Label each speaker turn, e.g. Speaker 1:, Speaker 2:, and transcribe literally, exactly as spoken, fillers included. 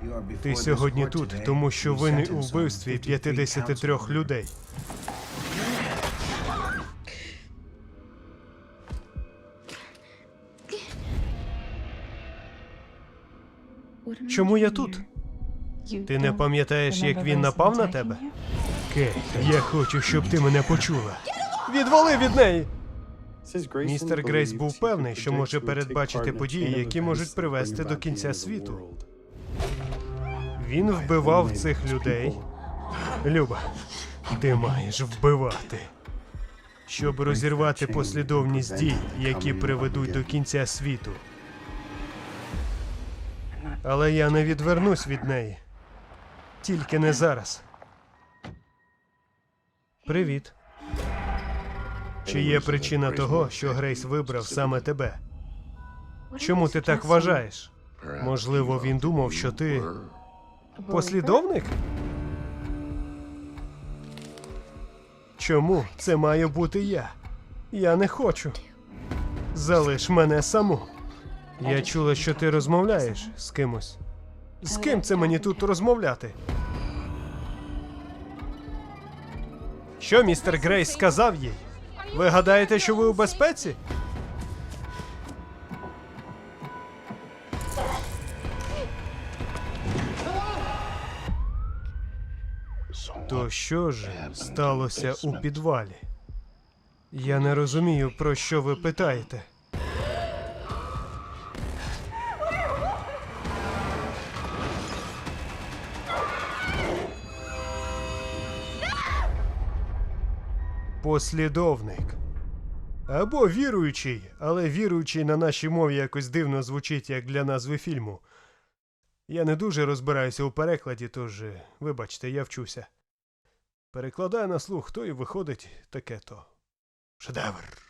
Speaker 1: Ти сьогодні тут, тому що винний у вбивстві п'ятдесят три людей. Чому я тут? Ти не пам'ятаєш, як він напав на тебе? Кейт, я хочу, щоб ти мене почула. Відвали від неї! Містер Грейс був певний, що може передбачити події, які можуть привести до кінця світу. Він вбивав цих людей. Люба, ти маєш вбивати. Щоб розірвати послідовність дій, які приведуть до кінця світу. Але я не відвернусь від неї. Тільки не зараз. Привіт. Чи є причина того, що Грейс вибрав саме тебе? Чому ти так вважаєш? Можливо, він думав, що ти... послідовник? Чому це маю бути я? Я не хочу. Залиш мене саму. Я чула, що ти розмовляєш з кимось. З ким це мені тут розмовляти? Що містер Грейс сказав їй? Ви гадаєте, що ви у безпеці? То що ж сталося у підвалі? Я не розумію, про що ви питаєте. Послідовник. Або віруючий, але віруючий на нашій мові якось дивно звучить, як для назви фільму. Я не дуже розбираюся у перекладі, тож, вибачте, я вчуся. Перекладаю на слух, то і виходить таке-то. Шедевр.